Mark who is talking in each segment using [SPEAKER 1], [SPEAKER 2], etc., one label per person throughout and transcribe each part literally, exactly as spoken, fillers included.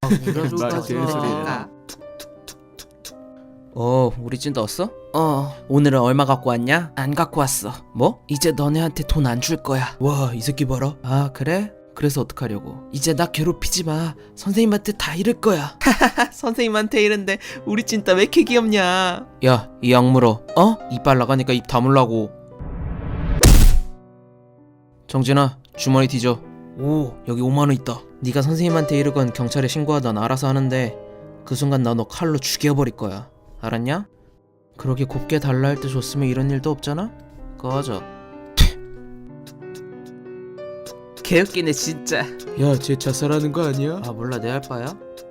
[SPEAKER 1] 누가
[SPEAKER 2] 말도 되는
[SPEAKER 1] 좋아하니까.
[SPEAKER 2] 어, 우리 찐 넣었어?
[SPEAKER 1] 어,
[SPEAKER 2] 오늘은 얼마 갖고 왔냐?
[SPEAKER 1] 안 갖고 왔어.
[SPEAKER 2] 뭐?
[SPEAKER 1] 이제 너네한테 돈 안 줄 거야.
[SPEAKER 2] 와, 이 새끼 봐라. 아, 그래? 그래서 어떡하려고?
[SPEAKER 1] 이제 나 괴롭히지 마. 선생님한테 다 잃을 거야.
[SPEAKER 2] 선생님한테 이런데 우리 찐따 왜 이렇게 귀엽냐? 야, 이 악물어. 어? 이빨 나가니까 입 다물라고. 정진아, 주머니 뒤져. 오, 여기 오만 원 있다. 네가 선생님한테 이르건 경찰에 신고하던 알아서 하는데 그 순간 나 너 칼로 죽여버릴 거야. 알았냐? 그러게 곱게 달라 할 때 줬으면 이런 일도 없잖아? 꺼져.
[SPEAKER 1] 개웃기네 진짜.
[SPEAKER 2] 야, 쟤 자살하는 거 아니야? 아, 몰라, 내 할 바야.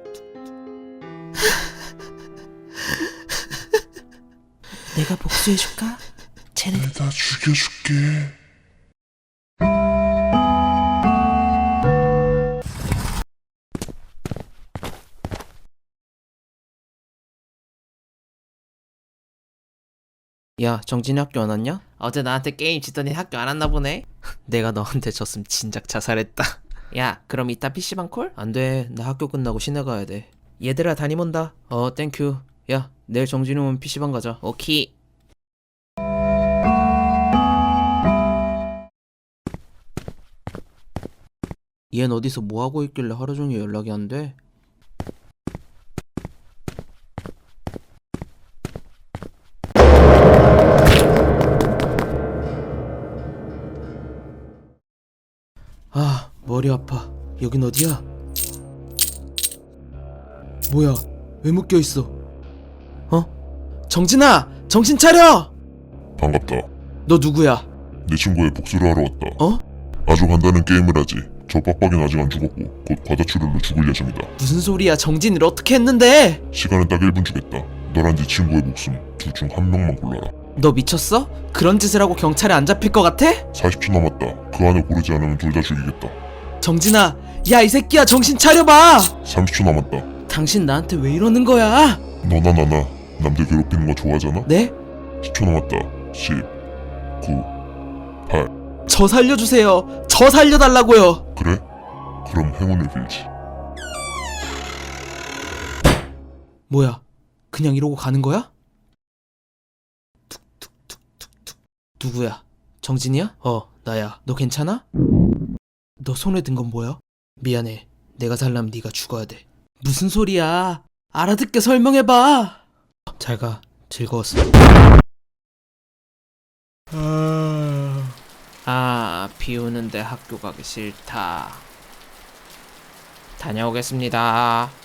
[SPEAKER 1] 내가 복수해줄까? 쟤는
[SPEAKER 3] 다 죽여줄게.
[SPEAKER 2] 야, 정진이 학교 안 왔냐?
[SPEAKER 1] 어제 나한테 게임 지더니 학교 안 왔나 보네.
[SPEAKER 2] 내가 너한테 졌으면 진작 자살했다.
[SPEAKER 1] 야, 그럼 이따 피시방 콜?
[SPEAKER 2] 안 돼. 나 학교 끝나고 시내 가야 돼. 얘들아, 담임 온다. 어, 땡큐. 야, 내일 정진이 오면 피시방 가자.
[SPEAKER 1] 오케이.
[SPEAKER 2] 얜 어디서 뭐 하고 있길래 하루 종일 연락이 안 돼? 아, 머리 아파. 여긴 어디야? 뭐야? 왜 묶여 있어? 어? 정진아! 정신 차려!
[SPEAKER 3] 반갑다.
[SPEAKER 2] 너 누구야?
[SPEAKER 3] 내 친구의 복수를 하러 왔다.
[SPEAKER 2] 어?
[SPEAKER 3] 아주 간단한 게임을 하지. 저 빡빡이는 아직 안 죽었고 곧 과다출혈로 죽을 예정이다.
[SPEAKER 2] 무슨 소리야? 정진이를 어떻게 했는데?
[SPEAKER 3] 시간은 딱 일 분 주겠다. 너랑 네 친구의 목숨 둘 중 한 명만 골라라.
[SPEAKER 2] 너 미쳤어? 그런 짓을 하고 경찰에 안 잡힐 것 같아?
[SPEAKER 3] 사십 초 남았다. 그 안에 고르지 않으면 둘 다 죽이겠다.
[SPEAKER 2] 정진아, 야, 이 새끼야, 정신 차려봐!
[SPEAKER 3] 삼십 초 남았다.
[SPEAKER 2] 당신 나한테 왜 이러는 거야?
[SPEAKER 3] 너나 나나 남들 괴롭히는 거 좋아하잖아?
[SPEAKER 2] 네?
[SPEAKER 3] 십 초 남았다. 십, 구, 팔.
[SPEAKER 2] 저 살려주세요. 저 살려달라고요.
[SPEAKER 3] 그래? 그럼 행운을 빌지.
[SPEAKER 2] 뭐야? 그냥 이러고 가는 거야? 툭툭툭툭툭. 누구야? 정진이야? 어, 나야. 너 괜찮아? 너 손에 든 건 뭐야? 미안해. 내가 살려면 네가 죽어야 돼. 무슨 소리야? 알아듣게 설명해봐. 잘 가. 즐거웠어. 아... 아, 비 오는데 학교 가기 싫다. 다녀오겠습니다.